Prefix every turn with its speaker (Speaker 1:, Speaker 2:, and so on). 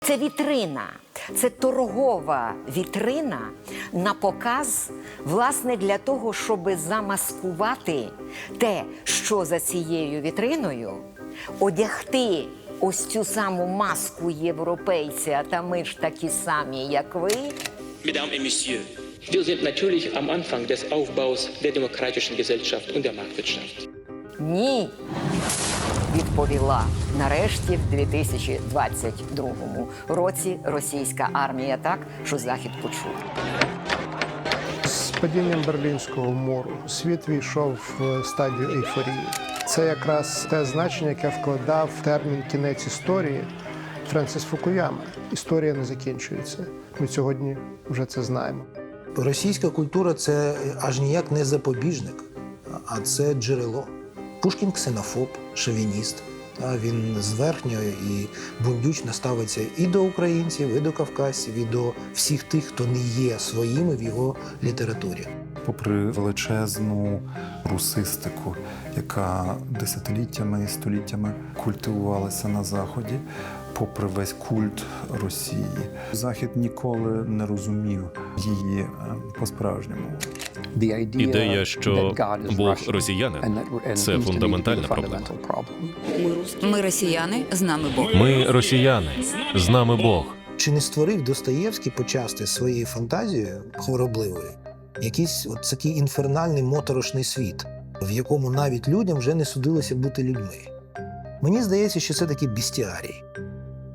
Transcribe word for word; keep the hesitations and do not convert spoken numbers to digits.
Speaker 1: Це вітрина, це торгова вітрина на показ, власне, для того, щоб замаскувати те, що за цією вітриною, одягти ось цю саму маску європейця, та ми ж такі самі, як ви.
Speaker 2: Mesdames et Messieurs, wir sind natürlich am Anfang des Aufbaus der demokratischen Gesellschaft und der Marktwirtschaft.
Speaker 1: Ні, відповіла нарешті в дві тисячі двадцять другому році російська армія так, що Захід почув.
Speaker 3: З падінням Берлінського муру світ війшов в стадію ейфорії. Це якраз те значення, яке вкладав термін «кінець історії» Френсіс Фукуяма. Історія не закінчується. Ми сьогодні вже це знаємо.
Speaker 4: Російська культура – це аж ніяк не запобіжник, а це джерело. Пушкін – ксенофоб, шовініст. Він зверхньо і бундючно ставиться і до українців, і до кавказців, і до всіх тих, хто не є своїми в його літературі.
Speaker 5: Попри величезну русистику, яка десятиліттями і століттями культивувалася на Заході, попри весь культ Росії, Захід ніколи не розумів її по-справжньому.
Speaker 6: Ідея, що Бог росіянин – це фундаментальна проблема.
Speaker 7: Ми росіяни, з нами Бог.
Speaker 6: Ми росіяни, з нами Бог.
Speaker 4: Чи не створив Достоєвський почасти своєю фантазією хворобливою якийсь от такий інфернальний моторошний світ, в якому навіть людям вже не судилося бути людьми? Мені здається, що це такий бестіарій.